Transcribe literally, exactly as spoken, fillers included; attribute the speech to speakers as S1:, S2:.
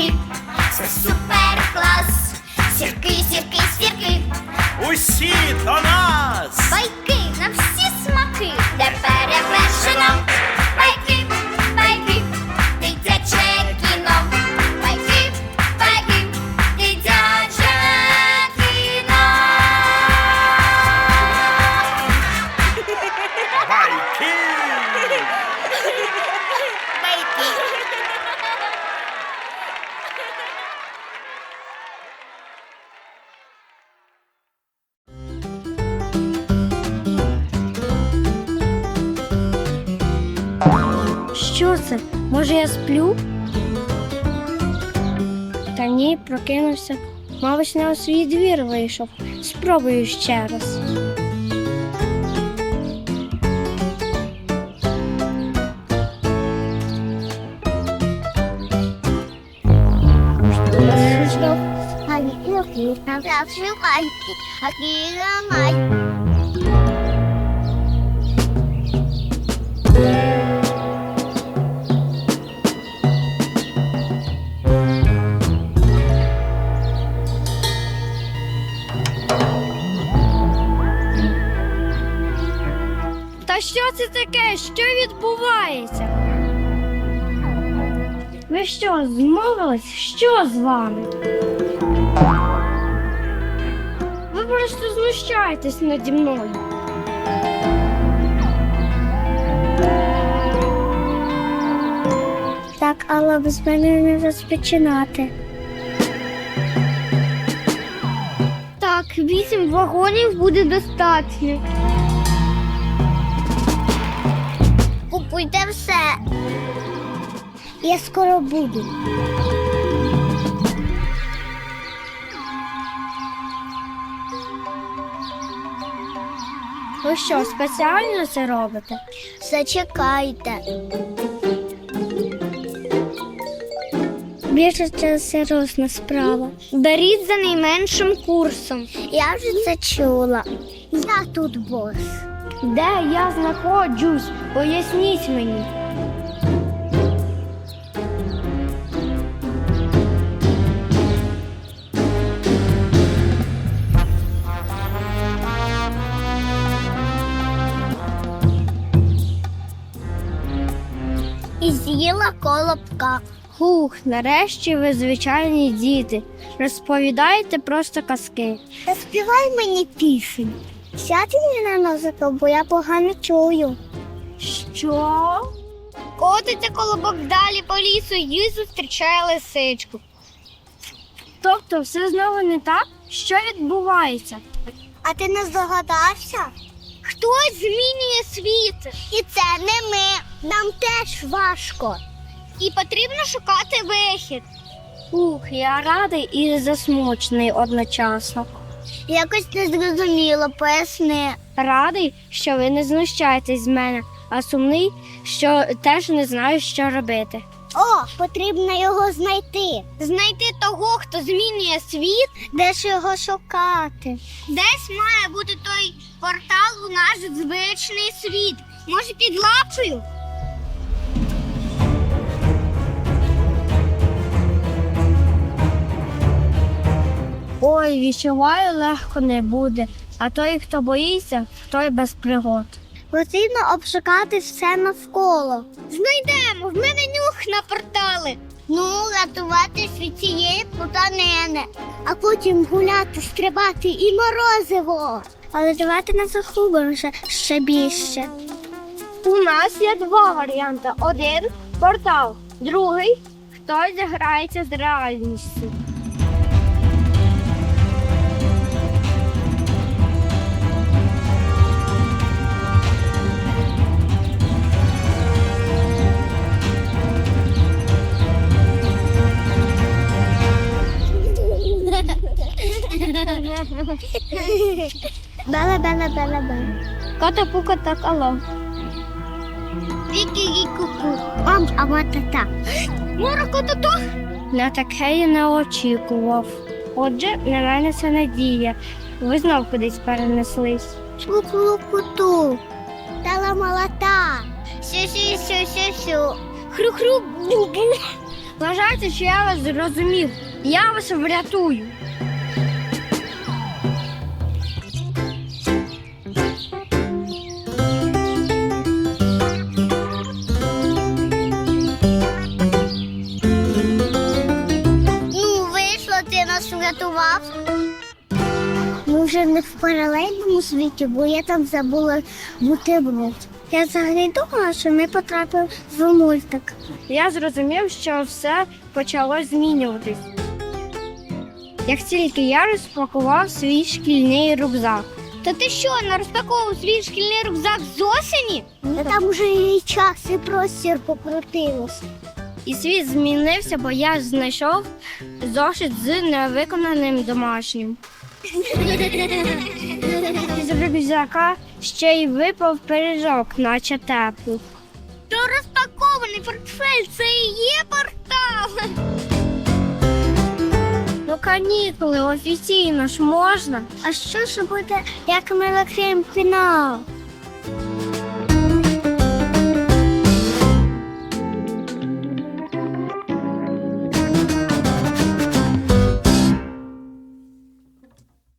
S1: сірки, це супер клас. Сірки, сірки, сірки,
S2: Усі до нас!
S1: байки на всі смаки, де перевершено. Байки, байки, дитяче кіно. Байки, байки, дитяче кіно.
S2: Байки!
S3: Що це? Може, я сплю? Та ні, прокинувся. Мабуть, не у свій двір вийшов. Спробую ще раз. Та що це таке? Що відбувається? Ви що, змовились? Що з вами? Ви просто знущаєтесь наді мною. Так, але без мене не розпочинати. Так, вісім вагонів буде достатньо.
S1: Купуйте все.
S3: Я скоро буду. Ви що, спеціально це робите?
S1: Зачекайте.
S3: Більше це серйозна справа. Беріть за найменшим курсом.
S1: Я вже це чула. Я тут бос.
S3: Де я знаходжусь? Поясніть мені.
S1: І з'їла колобка.
S3: Хух, нарешті ви звичайні діти. Розповідаєте просто казки.
S1: Та співай мені пісень. Сядь мені на музику, бо я погано чую.
S3: Що?
S1: Котиться колобок далі по лісу і зустрічає лисичку.
S3: Тобто все знову не так? Що відбувається?
S1: А ти не здогадався? Хтось змінює світ. І це не ми. Нам теж важко. І потрібно шукати вихід.
S3: Ух, я радий і засмучений одночасно.
S1: Якось незрозуміло, поясни.
S3: Радий, що ви не знущаєтесь з мене, а сумний, що теж не знаю, що робити.
S1: О, потрібно його знайти. Знайти того, хто змінює світ. Де ж його шукати? Десь має бути той портал у наш звичний світ. Може, під лапою?
S3: Ой, відчуваю, легко не буде, а той, хто боїться, той без пригод.
S1: Потрібно обшукати все навколо. Знайдемо, в мене нюх на портали. Ну, рятуватись від цієї плутанини. А потім гуляти, стрибати і морозиво. Але давайте не захубимося ще більше.
S3: У нас є два варіанти. Один – портал, другий – хтось заграється з реальністю.
S1: Бела-бела-бела-бела.
S3: Кота-пука так алло.
S1: Вікі-кі-ку-ку. Ам, а та-та. Мора-ко-то-то.
S3: На таке я не очікував. Отже, на мене це надія. Ви знов кудись перенеслись.
S1: Ку-ку-ку-ту. Тала-малата. Сю-сю-сю-сю-сю. Хру-хру. Бу-бу.
S3: Вважайте, що я вас зрозумів. Я вас врятую.
S1: Ну, вийшло, ти нас врятував. Ми вже не в паралельному світі, бо я там забула бутерброд. Я взагалі думала, що ми потрапили в мультик.
S3: Я зрозумів, що все почало змінюватись. Як тільки я розпакував свій шкільний рюкзак.
S1: Та ти що, не розпаковував свій шкільний рюкзак з осені? Та там вже і час, і простір покрутилось.
S3: І світ змінився, бо я знайшов зошит з невиконаним домашнім. З рюкзака ще й випав пиріжок, наче теплий.
S1: То розпакований портфель, це і є портал.
S3: Ну, канікули, офіційно ж можна.
S1: А що ж буде, як ми відкриємо фінал?